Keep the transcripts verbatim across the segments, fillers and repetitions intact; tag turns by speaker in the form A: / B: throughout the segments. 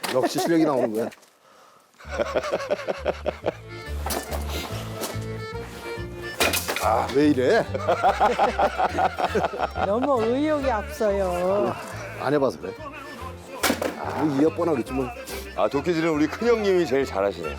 A: 역시 실력이 나오는 거야. 아, 왜 이래?
B: 너무 의욕이 앞서요.
A: 안 해봐서 그래. 아, 뭐 이어 뻔하겠지 뭐.
C: 아, 도끼질은 우리 큰형님이 제일 잘하시네요.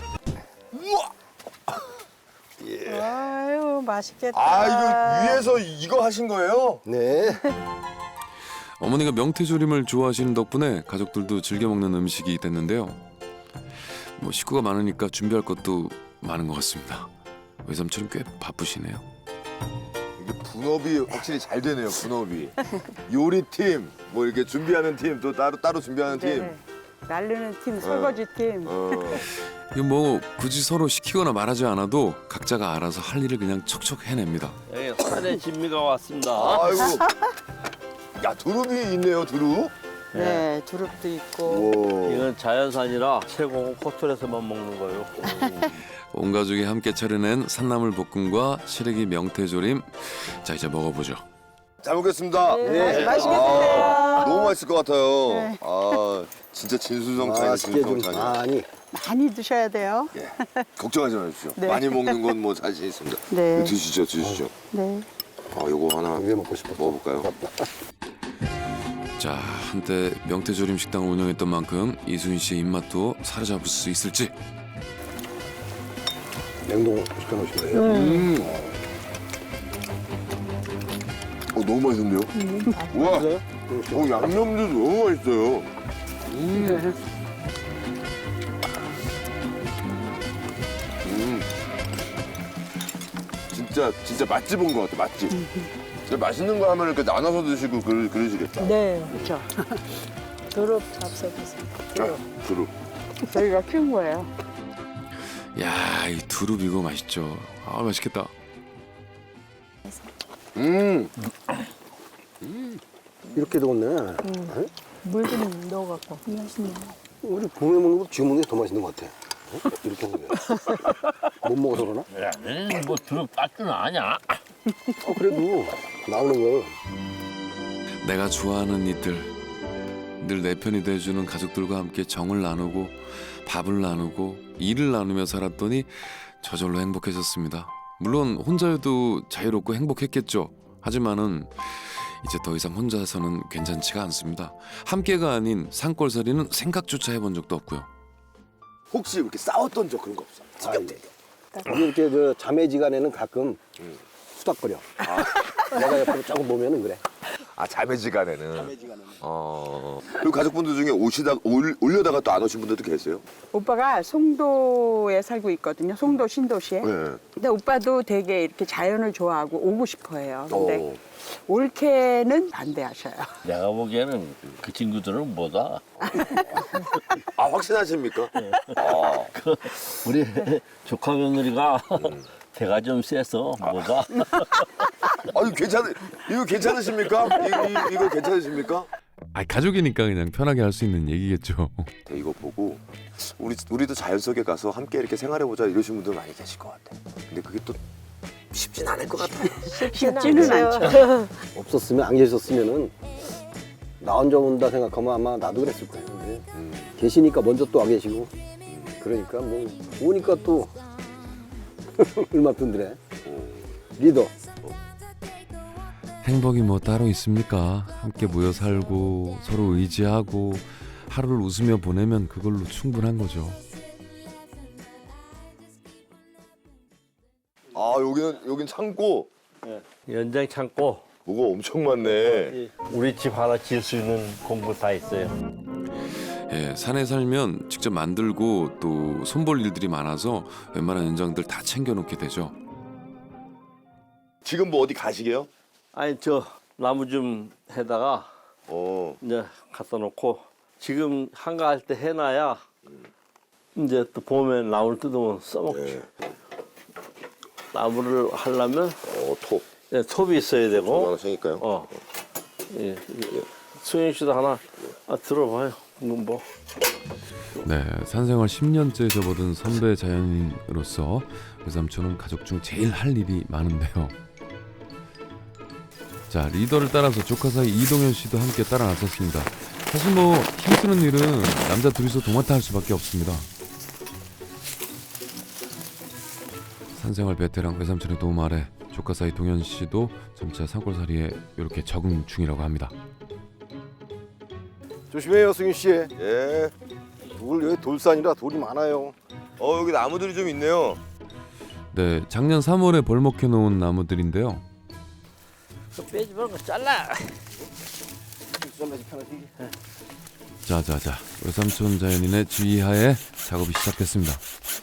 B: 아유 맛있겠다.
C: 아, 이거 위에서 이거 하신 거예요?
A: 네.
D: 어머니가 명태조림을 좋아하시는 덕분에 가족들도 즐겨 먹는 음식이 됐는데요. 뭐 식구가 많으니까 준비할 것도 많은 것 같습니다. 외삼촌은 꽤 바쁘시네요.
C: 이게 분업이 확실히 잘 되네요, 분업이. 요리팀, 뭐 이렇게 준비하는 팀, 또 따로 따로 준비하는 팀.
B: 네. 날르는 팀, 설거지 팀.
C: 어.
D: 이거 뭐 굳이 서로 시키거나 말하지 않아도 각자가 알아서 할 일을 그냥 척척 해냅니다.
E: 여기 산의 진미가 왔습니다.
C: 아이고. 야, 두릅이 있네요, 두릅.
B: 네, 두릅도 있고.
C: 오.
E: 이건 자연산이라 최고 호텔에서만 먹는 거예요.
D: 온 가족이 함께 차려낸 산나물 볶음과 시래기 명태조림. 자, 이제 먹어보죠.
C: 잘 먹겠습니다.
B: 네, 맛있게
C: 아,
B: 드세요.
C: 너무 맛있을 것 같아요.
B: 네.
C: 아, 진짜 진수성찬이네,
A: 맛있게 좀
C: 진수성찬이.
A: 많이.
B: 많이 드셔야 돼요.
C: 예. 걱정하지 마십시오.
B: 네.
C: 많이 먹는 건 뭐 자신 있습니다.
B: 네.
C: 드시죠, 드시죠.
B: 네.
C: 아, 요거 하나
A: 왜 먹고 싶어?
C: 먹어볼까요?
D: 자, 한때 명태조림 식당을 운영했던 만큼 이순희 씨의 입맛도 사로잡을 수 있을지.
A: 냉동 시켜놓으신 거예요?
C: 음. 어, 너무 맛있는데요? 우와, 어, 양념도 너무 맛있어요. 음. 음. 진짜, 진짜 맛집 온 것 같아, 맛집. 진짜 맛있는 거 하면 이렇게 나눠서 드시고 그러, 그러시겠다.
B: 네, 그렇죠. 두릅 잡숴보세요.
C: 아, 두릅.
B: 저희가 키운 거예요.
D: 야, 이 두릅 이거 맛있죠. 아, 맛있겠다.
C: 음.
A: 이렇게 더웠네. 응?
B: 물 좀 넣어갖고. 맛있네.
A: 우리 봄에 먹는 거 지금 먹는 게 더 맛있는 것 같아. 응? 이렇게 먹는 게. 못 먹어서 그러나?
E: 야, 너는 뭐 두릅 땄줄 아냐?
A: 어, 그래도 나오는 거.
D: 내가 좋아하는 이들, 늘 내 편이 돼주는 가족들과 함께 정을 나누고 밥을 나누고 일을 나누며 살았더니 저절로 행복해졌습니다. 물론 혼자여도 자유롭고 행복했겠죠. 하지만은 이제 더 이상 혼자서는 괜찮지가 않습니다. 함께가 아닌 산골살이는 생각조차 해본 적도 없고요.
C: 혹시 이렇게 싸웠던 적 그런 거 없어? 지겹게.
A: 우리 이렇게 저 자매지간에는 가끔 수닥거려. 내가 옆으로 조금 보면은 그래.
C: 아, 자매지간에는. 어. 그리고 가족분들 중에 오시다 올, 올려다가 또 안 오신 분들도 계세요?
B: 오빠가 송도에 살고 있거든요. 송도 신도시에.
C: 네.
B: 근데 오빠도 되게 이렇게 자연을 좋아하고 오고 싶어 해요. 근데
C: 어.
B: 올케는 반대하셔요.
E: 내가 보기에는 그 친구들은 뭐다.
C: 아, 확신하십니까? 아.
E: 우리 조카 며느리가 배가 좀 세서 뭐다.
C: 아니, 괜찮, 이거 괜찮으십니까? 이, 이, 이거 괜찮으십니까?
D: 아, 가족이니까 그냥 편하게 할 수 있는 얘기겠죠.
C: 네, 이거 보고 우리, 우리도 자연 속에 가서 함께 이렇게 생활해보자 이러신 분들 많이 계실 것 같아. 근데 그게 또 쉽진 않을 것 같아.
B: 쉽지는 않죠.
A: 없었으면 안 계셨으면은 나 혼자 온다 생각하면 아마 나도 그랬을 거예요. 근데
C: 음.
A: 계시니까 먼저 또 와 계시고 그러니까 뭐 오니까 또 얼마 든드래. 리더.
D: 행복이 뭐 따로 있습니까? 함께 모여 살고 서로 의지하고 하루를 웃으며 보내면 그걸로 충분한 거죠.
C: 아, 여기는, 여긴 창고.
E: 연장 창고.
C: 뭐가 엄청 많네.
E: 우리 집 하나 지을 수 있는 공부 다 있어요.
D: 예, 산에 살면 직접 만들고 또 손볼 일들이 많아서 웬만한 연장들 다 챙겨놓게 되죠.
C: 지금 뭐 어디 가시게요?
E: 아니 저 나무 좀 해다가
C: 어.
E: 이제 갖다 놓고 지금 한가할 때 해놔야 이제 또 봄에 나무를 뜯으면 써먹지.
C: 네.
E: 나무를 하려면
C: 어, 톱.
E: 네, 톱이 있어야
C: 톱
E: 되고.
C: 하나 챙길까요?
E: 어. 예. 수영 씨도 하나 아, 들어봐요. 뭐.
D: 네, 산생활 십 년째 접어든 선배 자연인으로서 외삼촌은 가족 중 제일 할 일이 많은데요. 자, 리더를 따라서 조카 사이 이동현 씨도 함께 따라 나섰습니다. 사실 뭐 힘쓰는 일은 남자 둘이서 도맡아 할 수밖에 없습니다. 산생활 베테랑 외삼촌의 도움 아래 조카 사이 동현 씨도 점차 산골살이에 이렇게 적응 중이라고 합니다.
A: 조심해요, 승윤 씨.
C: 예.
A: 돌 여기 돌산이라 돌이 많아요.
C: 어 여기 나무들이 좀 있네요.
D: 네, 작년 삼월에 벌목해 놓은 나무들인데요.
E: 빼지 말고 잘라.
D: 자자자, 외삼촌 자연인의 지휘하에 작업이 시작됐습니다.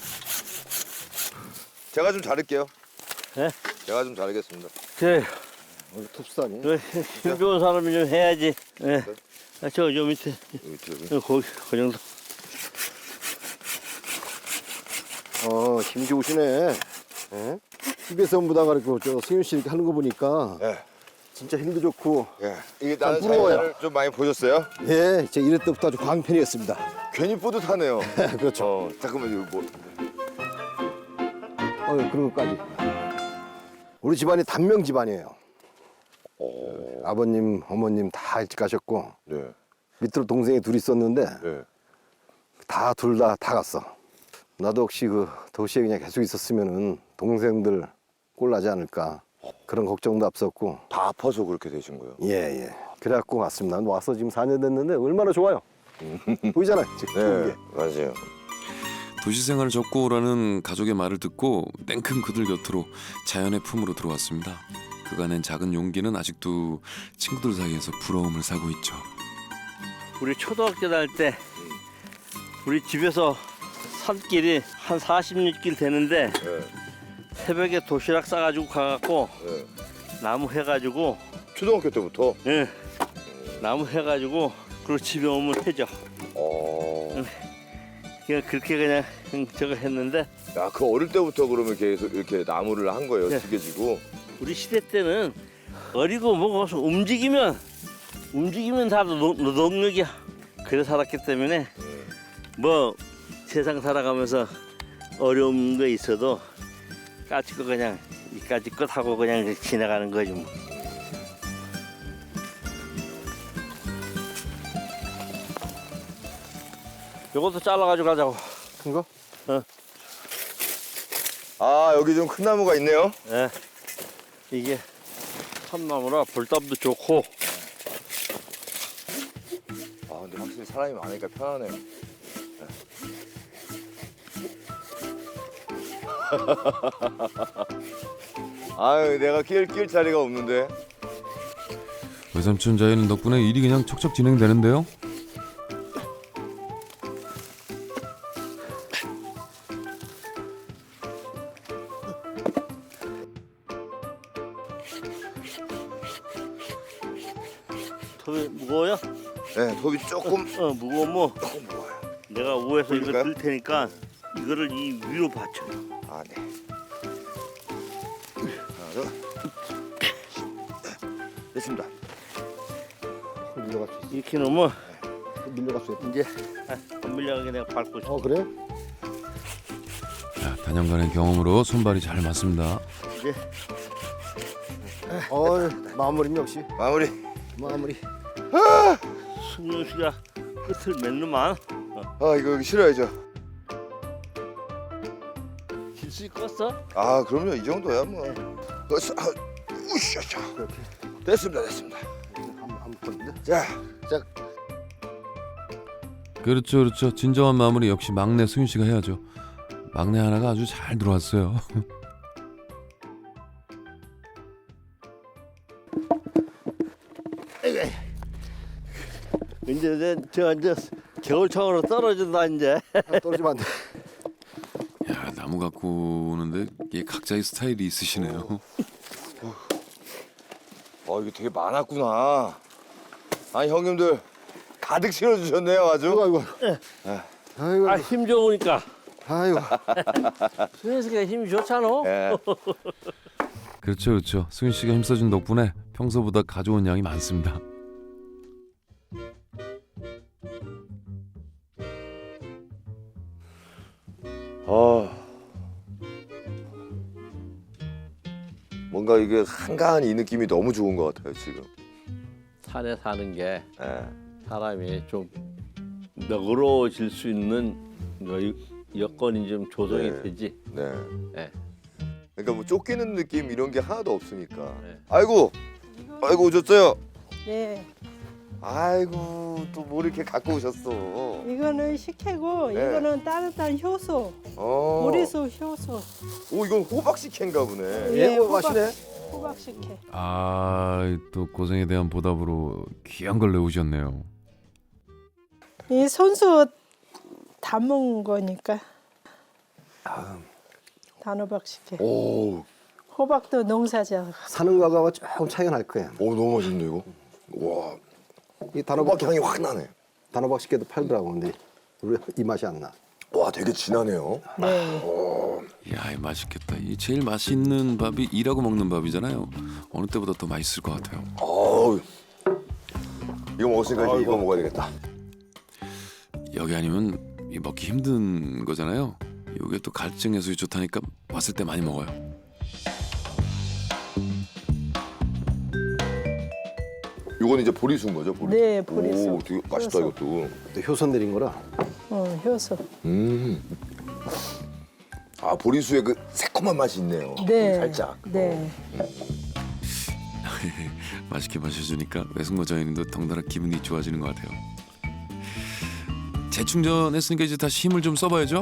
C: 제가 좀 자를게요.
E: 네?
C: 제가 좀 자르겠습니다.
E: 그래,
A: 여기 톱산이.
E: 힘 좋은 사람이 좀 해야지. 예. 아, 저, 저 밑에,
C: 여기 밑에 여기.
E: 어, 거기, 그 정도.
A: 어, 힘 좋으시네. 예? 집에서 무다가 이렇게 저 승윤 씨 이렇게 하는 거 보니까
C: 예.
A: 진짜 힘도 좋고.
C: 예. 이게 나는
A: 부러워요.
C: 자연을 좀 많이 보셨어요?
A: 예, 제가 이럴 때부터 아주 광팬이었습니다.
C: 괜히 뿌듯하네요.
A: 그렇죠.
C: 어, 잠깐만 이거 뭐.
A: 어, 그런 것까지. 우리 집안이 단명 집안이에요.
C: 오.
A: 아버님, 어머님 다 일찍 가셨고
C: 네.
A: 밑으로 동생이 둘 있었는데
C: 네.
A: 다 둘 다 다 갔어. 나도 혹시 그 도시에 그냥 계속 있었으면은 동생들 꼴나지 않을까 그런 걱정도 앞섰고.
C: 다 아파서 그렇게 되신 거예요.
A: 예, 예. 그래갖고 왔습니다. 와서 지금 사 년 됐는데 얼마나 좋아요. 보이잖아요. 지금 좋은
C: 네.
A: 게.
C: 맞아요.
D: 도시 생활을 접고 오라는 가족의 말을 듣고 냉큼 그들 곁으로 자연의 품으로 들어왔습니다. 그간엔 작은 용기는 아직도 친구들 사이에서 부러움을 사고 있죠.
E: 우리 초등학교 다닐 때, 우리 집에서 산길이 한 사십육 길 되는데,
C: 네.
E: 새벽에 도시락 싸가지고 가갖고,
C: 네.
E: 나무 해가지고,
C: 초등학교 때부터.
E: 예. 나무 해가지고, 그리고 집에 오면 해죠.
C: 어.
E: 그냥 그렇게 그냥 저거 했는데,
C: 야, 그 어릴 때부터 그러면 계속 이렇게 나무를 한 거예요.
E: 네.
C: 죽여지고.
E: 우리 시대 때는 어리고 뭐고 움직이면 움직이면 다 노, 노동력이야. 그래 살았기 때문에 뭐 세상 살아가면서 어려운 거 있어도 까짓거 그냥 이까짓 것 하고 그냥 지나가는 거지 뭐. 요것도 잘라가지고 가자고.
A: 큰 거?
C: 아, 여기 좀 큰 나무가 있네요.
E: 예. 이게 참나무라 불담도 좋고.
C: 아, 근데 확실히 사람이 많으니까 편하네요. 아유, 내가 끼울, 끼울 자리가 없는데.
D: 외삼촌 자연인 덕분에 일이 그냥 척척 진행되는데요.
E: 톱이 무거워요?
C: 네, 톱이 조금,
E: 어 무거우면
C: 조금 무거워요.
E: 내가 위에서 이거
C: 올릴까요?
E: 들 테니까 이거를 이 위로 받쳐.
C: 아, 네. 하나, 둘. 됐습니다.
A: 밀려갈 수 있어.
E: 이렇게 놓으면
A: 밀려갈 수 있어.
E: 이제 안 밀려가게 내가 밟고 있어.
A: 어, 그래?
D: 자, 단연간의 경험으로 손발이 잘 맞습니다.
E: 이제
A: 어, 마무리는 역시
C: 마무리.
A: 마무리.
E: 승용 씨가 끝을 맺는만
C: 아, 이거 여기 실어야죠.
E: 길수 있겠어?
C: 아, 그럼요. 이 정도야, 뭐. 어서, 아, 우샤샤.
A: 이렇게
C: 됐습니다, 됐습니다.
A: 한번 던데.
C: 자, 자,
D: 그렇죠, 그렇죠. 진정한 마무리 역시 막내 승윤 씨가 해야죠. 막내 하나가 아주 잘 들어왔어요.
E: 이제 이제 저 이제 겨울창으로 떨어진다 이제.
A: 아, 떨어지면 안 돼.
D: 야, 나무 갖고 오는데 이게 각자의 스타일이 있으시네요.
C: 어, 이게 되게 많았구나. 아니, 형님들 가득 실어주셨네요, 아주.
A: 아이고, 아이고. 아이고,
E: 아 힘 좋으니까.
A: 아이고.
E: 승용 씨가 힘이 좋잖아.
C: 예.
D: 그렇죠, 그렇죠. 승윤 씨가 힘써준 덕분에 평소보다 가져온 양이 많습니다.
C: 아, 뭔가 이게 한가한 이 느낌이 너무 좋은 것 같아요, 지금.
E: 산에 사는 게
C: 예.
F: 사람이 좀 너그러워질 수 있는 여- 여건이 좀 조성이
C: 네.
F: 되지.
C: 네.
F: 네.
C: 그러니까 뭐 쫓기는 느낌 이런 게 하나도 없으니까.
F: 네.
C: 아이고, 아이고 오셨어요.
G: 네,
C: 아이고 또 뭘 이렇게 갖고 오셨어.
G: 이거는 식혜고
C: 네.
G: 이거는 따뜻한 효소,
C: 어.
G: 보리수 효소.
C: 오 이건 호박 식혜인가 보네.
G: 예,
A: 뭐
G: 호박,
A: 맛이네.
G: 호박 식혜.
D: 아, 또 고생에 대한 보답으로 귀한 걸 내오셨네요.
G: 이 손수 담은 거니까. 단호박 식혜.
C: 오,
G: 호박도 농사지어.
A: 사는 거하고 조금 차이가 날 거야.
C: 오 너무 맛있네 이거. 와,
A: 이 단호박
C: 호박 향이 확 나네.
A: 단호박 식혜도 팔더라고. 근데 우리 이 맛이 안 나.
C: 와, 되게 진하네요.
G: 네.
D: 야, 이 맛있겠다. 이 제일 맛있는 밥이 일하고 먹는 밥이잖아요. 어느 때보다 더 맛있을 것 같아요.
C: 어우, 이거 먹었으니까 이제 이거 먹어야 되겠다.
D: 여기 아니면 이 먹기 힘든 거잖아요. 이게 또 갈증 해소에 좋다니까 왔을 때 많이 먹어요.
C: 이거는 이제 보리수인 거죠? 보리수.
G: 네, 보리수.
C: 오, 되게 맛있다
G: 효소.
C: 이것도.
A: 또 효소 내린 거라.
G: 어, 효소.
C: 음. 아 보리수의 그 새콤한 맛이 있네요.
G: 네.
C: 살짝.
G: 네.
D: 맛있게 마셔주니까 외숙모 저희님도 덩달아 기분이 좋아지는 것 같아요. 재충전했으니까 이제 다시 힘을 좀 써봐야죠.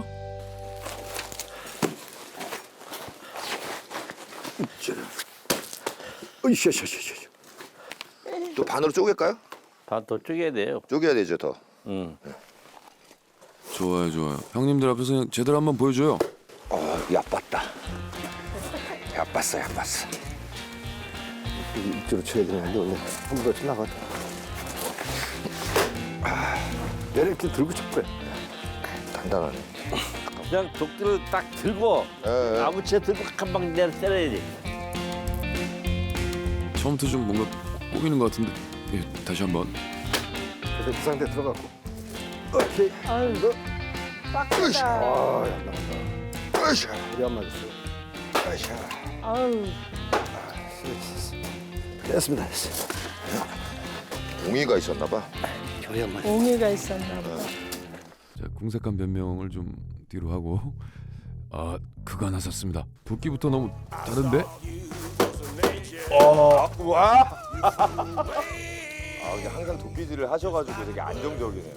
A: 으쌰쌰쌰쌰.
C: 또 반으로 쪼갤까요?
F: 반더 쪼개야 돼요.
C: 쪼개야 되죠 더.
F: 응.
D: 좋아요, 좋아요. 형님들 앞에서 그냥 제대로 한번 보여줘요.
C: 어, 얕봤다. 얕봤어, 얕봤어.
A: 이쪽으로 쳐야 되는데 원래 한 번 더 지나가다. 얘를 이렇게 들고 쳤고요.
C: 단단하네.
E: 그냥 도끼를 딱 들고
C: 예, 예.
E: 나무채 들고 한 방 내려 때려야지.
D: 처음부터 좀 뭔가 꼬이는 것 같은데. 예, 다시 한번.
A: 그래서 그 상태 들어갔고. 오케이.
G: 아유, 빡세다.
A: 아, 야, 나간다.
C: 으쌰,
A: 우리 안 맞았어요.
C: 으쌰.
G: 아유,
A: 됐습니다. 됐어.
C: 옹이가 있었나 봐.
A: 저희 한 마리.
G: 옹이가 있었나 보다.
D: 자, 궁색한 변명을 좀 뒤로 하고. 아, 그거 하나 샀습니다. 도끼부터 너무 다른데?
C: 어, 와. 아, 이게 항상 도끼질을 하셔가지고 되게 안정적이네요.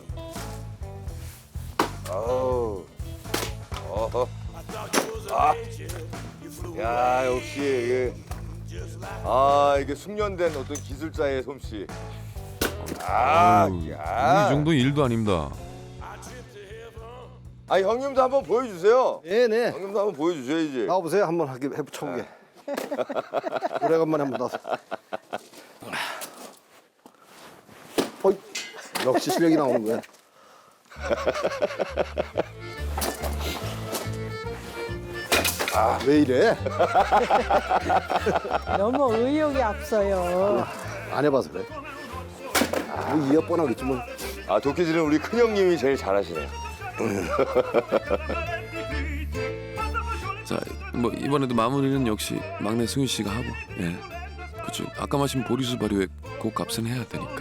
C: 아우, 어허. 아, 야 역시 이게 아 이게 숙련된 어떤 기술자의 솜씨. 아,
D: 아유, 이
C: 야.
D: 정도 일도 아닙니다.
C: 아 형님도 한번 보여주세요.
A: 네네.
C: 형님도 한번 보여주셔야지.
A: 나와보세요. 한번 하게 해보쳐보게. 오래간만에 한번 나서. 어이, 역시 실력이 나오는 거야. 아, 왜 이래?
G: 너무 의욕이 앞서요.
A: 안 해봐서 그래. 아, 뭐 이어 뻔하겠지 뭐.
C: 아 도끼질은 우리 큰 형님이 제일 잘하시네요.
D: 자, 뭐 이번에도 마무리는 역시 막내 승윤 씨가 하고. 예. 그렇죠. 아까 마신 보리수 발효액 그 값은 해야 되니까.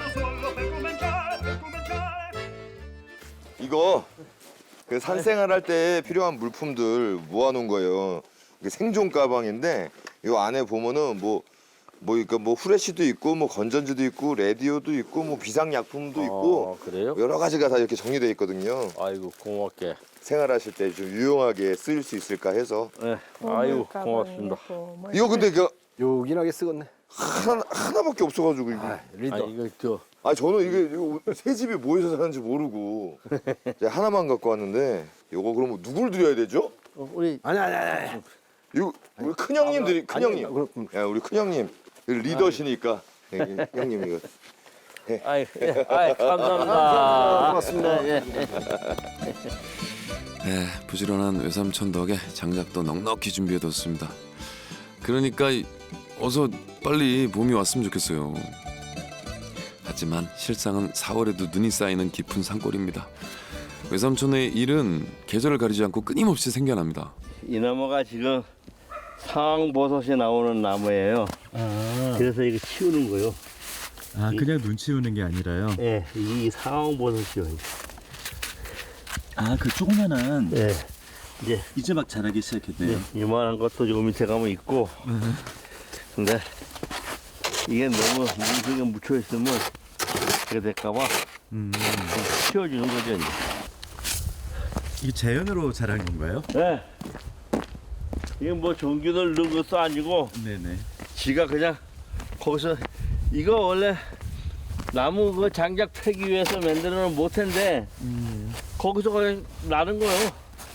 C: 이거 그 산생활 할 때 필요한 물품들 모아놓은 거예요. 이게 생존 가방인데 이 안에 보면은 뭐 뭐 그러니까 뭐 후레쉬도 있고 뭐 건전지도 있고 라디오도 있고 뭐 비상 약품도 있고
F: 어, 그래요?
C: 여러 가지가 다 이렇게 정리되어 있거든요.
F: 아이고 고맙게.
C: 생활하실 때 좀 유용하게 쓰일 수 있을까 해서
F: 네.
G: 보물
F: 아이고
G: 가방이
F: 고맙습니다.
G: 있고 뭐
C: 이거 근데 그
A: 요긴하게 쓰겄네.
C: 하나 하나밖에 없어가지고 이거.
A: 아, 리더.
F: 아 이거 저
C: 아 저는 이게 이거 새 집이 뭐해서 사는지 모르고 이제 하나만 갖고 왔는데 이거 그러면 누굴 드려야 되죠?
F: 어, 우리
A: 아니 아니 아니.
C: 이거 우리 큰 형님 드리 큰
A: 아니,
C: 형님.
A: 그럼-
C: 야 우리 큰 형님 리더시니까 네, 형님 이거.
F: 아이, 예, 아이 감사합니다.
A: 고맙습니다.
F: 예,
D: 네, 부지런한 외삼촌 덕에 장작도 넉넉히 준비해뒀습니다. 그러니까 이- 어서 빨리 봄이 왔으면 좋겠어요. 하지만 실상은 사월에도 눈이 쌓이는 깊은 산골입니다. 외삼촌의 일은 계절을 가리지 않고 끊임없이 생겨납니다.
E: 이 나무가 지금 상황버섯이 나오는 나무예요. 그래서 이거 치우는 거요.
H: 아 그냥 눈치 우는 게 아니라요.
E: 예, 이 상황 버섯이요.
H: 아 그 조그만한
E: 예, 이제
H: 이제 막 자라기 시작했네요.
E: 예, 이만한 것도 저 밑에 가면 있고. 근데 이게 너무 물속에 묻혀 있으면 이게 될까봐
H: 음,
E: 치워주는 거죠. 이제.
H: 이게 자연으로 자란 건가요?
E: 예. 이게 뭐 전기를 넣은 것도 아니고
H: 네네.
E: 지가 그냥 거기서 이거 원래 나무 그 장작 패기 위해서 만들어 놓은 모태인데 거기서 그냥 나는 거예요.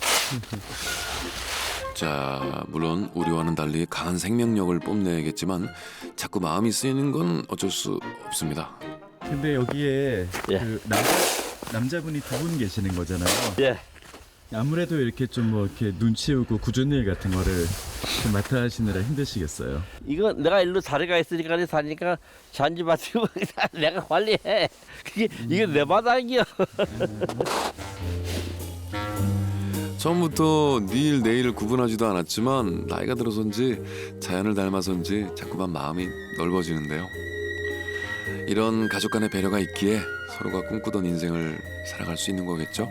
D: 자, 물론 우리와는 달리 강한 생명력을 뽐내야겠지만 자꾸 마음이 쓰이는 건 어쩔 수 없습니다.
H: 근데 여기에
E: 예.
H: 그 남자 남자분이 두 분 계시는 거잖아요.
E: 예.
H: 아무래도 이렇게 좀 뭐 이렇게 눈치 우고 굳은 일 같은 거를 좀 맡아 하시느라 힘드시겠어요.
E: 이거 내가 일로 다리가 있으니까 다니까 잔디밭이고 내가 관리해. 그게 이게 내 바닥이야.
D: 처음부터 니일 내일을 구분하지도 않았지만 나이가 들어서인지 자연을 닮아서인지 자꾸만 마음이 넓어지는데요. 이런 가족 간의 배려가 있기에 서로가 꿈꾸던 인생을 살아갈 수 있는 거겠죠?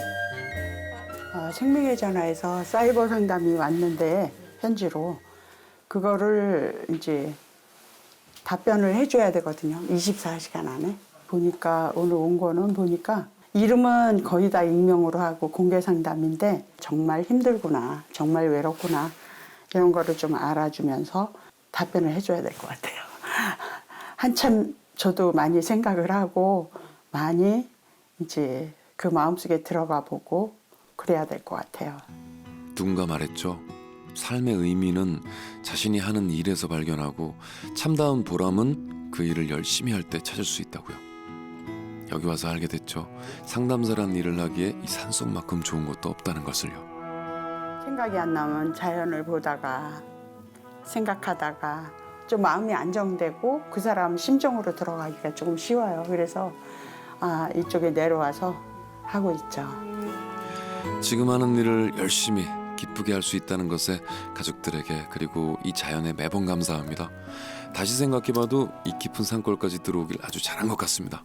B: 어, 생명의 전화에서 사이버 상담이 왔는데 현지로 그거를 이제 답변을 해줘야 되거든요. 이십사 시간 안에. 보니까 오늘 온 거는 보니까 이름은 거의 다 익명으로 하고 공개 상담인데 정말 힘들구나, 정말 외롭구나 이런 거를 좀 알아주면서 답변을 해줘야 될 것 같아요. 한참 저도 많이 생각을 하고 많이 이제 그 마음속에 들어가 보고 그래야 될 것 같아요.
D: 누군가 말했죠. 삶의 의미는 자신이 하는 일에서 발견하고 참다운 보람은 그 일을 열심히 할 때 찾을 수 있다고요. 여기 와서 알게 됐죠. 상담사란 일을 하기에 이 산속만큼 좋은 것도 없다는 것을요.
B: 생각이 안 나면 자연을 보다가 생각하다가 좀 마음이 안정되고 그 사람 심정으로 들어가기가 조금 쉬워요. 그래서 아, 이쪽에 내려와서 하고 있죠.
D: 지금 하는 일을 열심히 기쁘게 할 수 있다는 것에 가족들에게 그리고 이 자연에 매번 감사합니다. 다시 생각해봐도 이 깊은 산골까지 들어오길 아주 잘한 것 같습니다.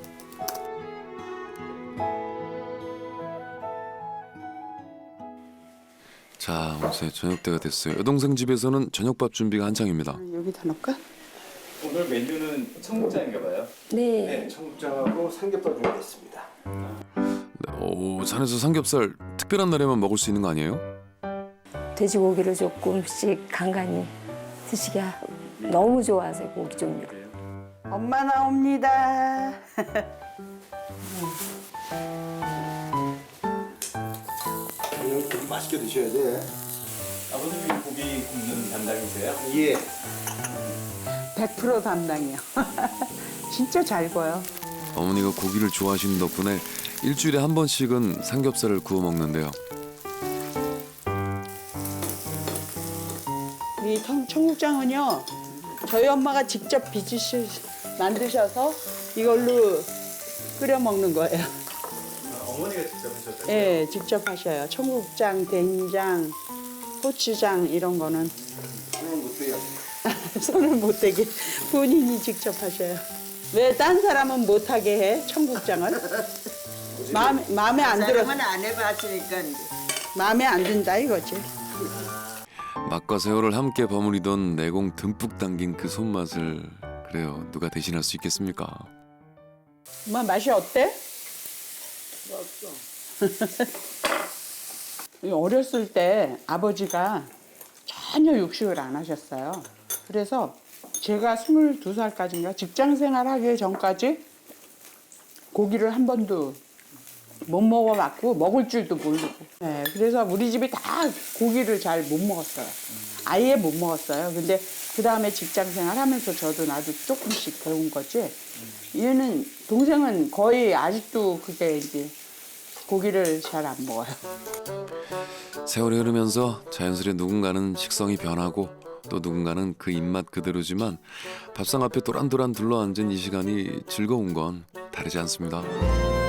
D: 자, 어느새 저녁 때가 됐어요. 여동생 집에서는 저녁밥 준비가 한창입니다.
B: 여기다 넣을까?
H: 오늘 메뉴는 청국장인가 봐요.
A: 네, 청국장하고 삼겹살 준비했습니다.
D: 네, 오, 산에서 삼겹살 특별한 날에만 먹을 수 있는 거 아니에요?
I: 돼지고기를 조금씩 간간히 드시게 하고 너무 좋아하세요, 고기 종류를.
B: 엄마 나옵니다.
A: 이거 맛있게 드셔야 돼.
H: 아버님이 고기 굽는 담당이세요?
A: 예.
B: 백 퍼센트 담당이요. 진짜 잘 구워요.
D: 어머니가 고기를 좋아하시는 덕분에 일주일에 한 번씩은 삼겹살을 구워 먹는데요.
B: 이 청, 청국장은요, 저희 엄마가 직접 빚으시 만드셔서 이걸로 끓여 먹는 거예요.
H: 아, 어머니가 직접 하셨어요?
B: 예, 직접 하셔요. 청국장, 된장, 고추장 이런 거는
A: 손을 못 대요.
B: 손을 못 대게 본인이 직접 하셔요. 왜 딴 사람은 못 하게 해? 청국장을? 마음에 마음에 안 들어.
J: 사람은 안 해봤으니까 이제.
B: 마음에 안 든다 이거지.
D: 맛과 세월을 함께 버무리던 내공 듬뿍 담긴 그 손맛을 그래요. 누가 대신할 수 있겠습니까?
B: 엄마 맛이 어때? 어렸을 때 아버지가 전혀 육식을 안 하셨어요. 그래서 제가 스물두 살까지인가 직장 생활하기 전까지 고기를 한 번도 못 먹어봤고 먹을 줄도 모르고. 네, 그래서 우리 집이 다 고기를 잘 못 먹었어요. 아예 못 먹었어요. 근데 그 다음에 직장 생활하면서 저도 나도 조금씩 배운 거지. 얘는 동생은 거의 아직도 그게 이제 고기를 잘 안 먹어요.
D: 세월이 흐르면서 자연스레 누군가는 식성이 변하고 또 누군가는 그 입맛 그대로지만 밥상 앞에 도란도란 둘러앉은 이 시간이 즐거운 건 다르지 않습니다.